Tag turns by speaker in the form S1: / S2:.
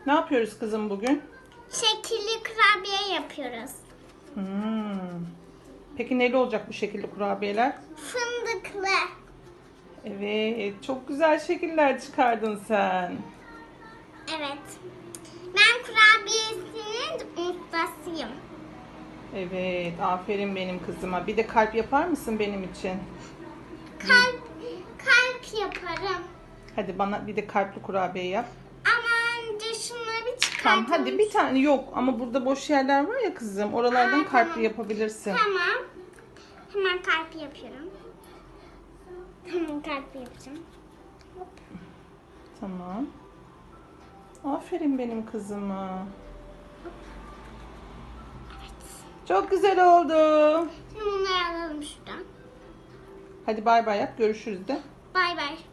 S1: Ne yapıyoruz kızım bugün?
S2: Şekilli kurabiye yapıyoruz.
S1: Peki neli olacak bu şekilde kurabiyeler?
S2: Fındıklı.
S1: Evet, çok güzel şekiller çıkardın sen.
S2: Evet. Ben kurabiyesinin ustasıyım.
S1: Evet, aferin benim kızıma. Bir de kalp yapar mısın benim için?
S2: Kalp yaparım.
S1: Hadi bana bir de kalpli kurabiye yap.
S2: Ama önce şunları bir
S1: Tamam,
S2: çıkartalım.
S1: hadi bir tane yok ama burada boş yerler var ya kızım. Oralardan kalpli
S2: Tamam.
S1: yapabilirsin.
S2: Tamam. Hemen kalp yapıyorum. Hemen kalp yapacağım.
S1: Tamam. Aferin benim kızıma. Çok güzel oldu.
S2: Şimdi bunları alalım şuradan.
S1: Hadi bay bay yap. Görüşürüz de.
S2: Bay bay.